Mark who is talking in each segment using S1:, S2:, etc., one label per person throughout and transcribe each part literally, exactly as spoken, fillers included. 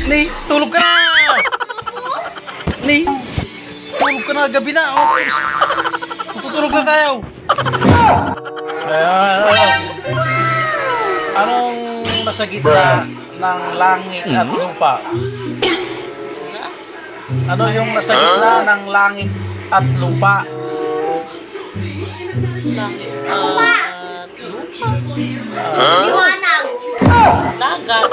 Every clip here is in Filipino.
S1: Ni, tulog ka na! Ni, tulog ka na, gabi na. Okay. Tutulog na tayo. Ayan. Anong nasa gitna ng langit at lupa? Ano yung nasa gitna ng langit at lupa?
S2: Langit at lupa.
S1: Ah,
S3: Liwanag.
S2: Dagat.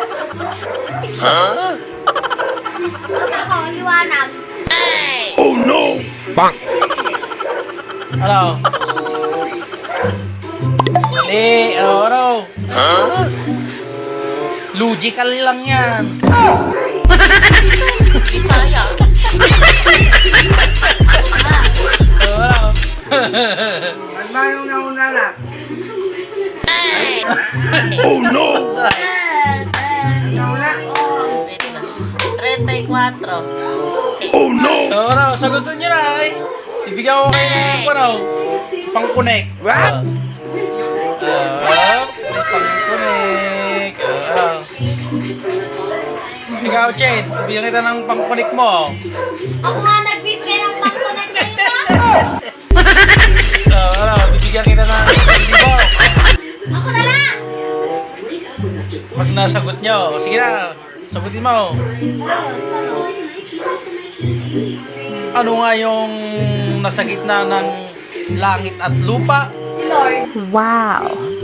S1: huh?
S3: Ako, liwanag.
S4: Oh no! Bang!
S1: Ano? Mali, ano, ano?
S4: Huh?
S1: Logical lang yan.
S2: Bisaya.
S1: Ano?
S5: Manong nauna na.
S4: Oh no!
S5: Nauna.
S2: Wait lang. thirty-four.
S4: Oh no!
S1: Ano, sagutin nyo na ay. Ibigyan ko kayo ng ano, pang-connect.
S4: What?
S1: Ah, uh, may pang-connect. Ah, ano? Ikaw, Chen, bigyan kita ng pang-connect mo.
S3: Ako nga nagbibigay ng pangkunan kayo ba?
S1: Ah, ano, bibigyan kita ng libo.
S3: Ako na lang.
S1: Pag nasagot nyo, sige na, sagutin mo. Ano nga yung nasa gitna ng langit at lupa?
S3: Si Lord.
S6: Wow.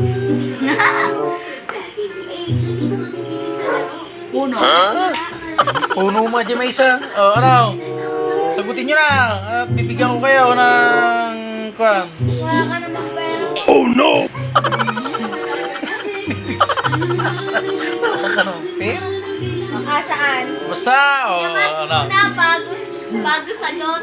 S3: Puno.
S4: Huh?
S1: Puno mo dyan may isa. O, ano? Sagutin nyo na. At bibigyan ko kayo ng... Kwan.
S3: Wala ka namang pera.
S4: Oh no!
S1: Wala ka ng pera.
S3: Ah, saan?
S1: Basta, o,
S3: Nakas
S1: ano?
S3: na bago, bago sagot.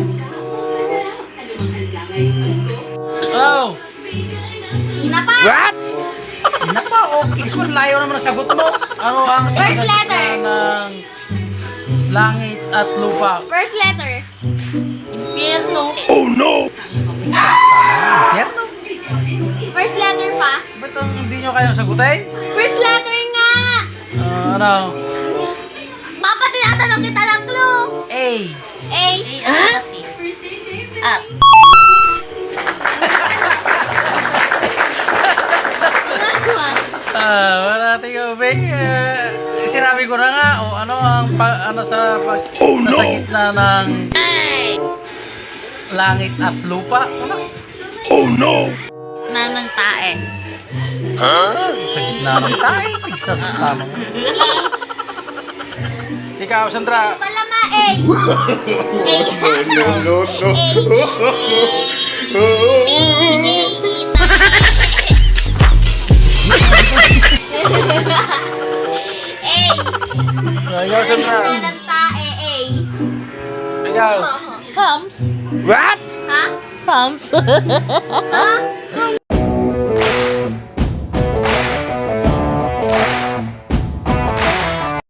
S1: Ano?
S3: Inapa.
S4: What?
S1: Napa, o, Kingsman, layo naman ang sagot mo. Ano ang...
S3: First
S1: nasa
S3: letter.
S1: gitna ng langit at lupa?
S3: First letter.
S2: Impyerno.
S4: Oh no!
S1: Yan, no?
S3: First letter pa.
S1: Ba't ang hindi nyo kayang sagutin?
S3: First letter nga.
S1: Ah, ano?
S3: Papa, tinatanong kita ng clue.
S1: A.
S3: A.
S2: A at T. At.
S1: Ah, wala tingin ubing. Eh, sinabi ko na nga, o ano ang pa, ano sa pag
S4: Oh, no.
S1: nasa gitna ng langit at lupa? Ano?
S4: Oh no!
S2: Nanang tae.
S4: Huh?
S1: Sa gitna ng tayo, tigsa tama. Ikaw, Sandra.
S3: Palama A. A.
S4: No, no, no.
S1: Ah, ikaw, Sandra.
S3: Ng tae A.
S1: Ikaw.
S2: Pumps.
S4: What?
S3: Ha?
S2: Pumps.
S3: Ha?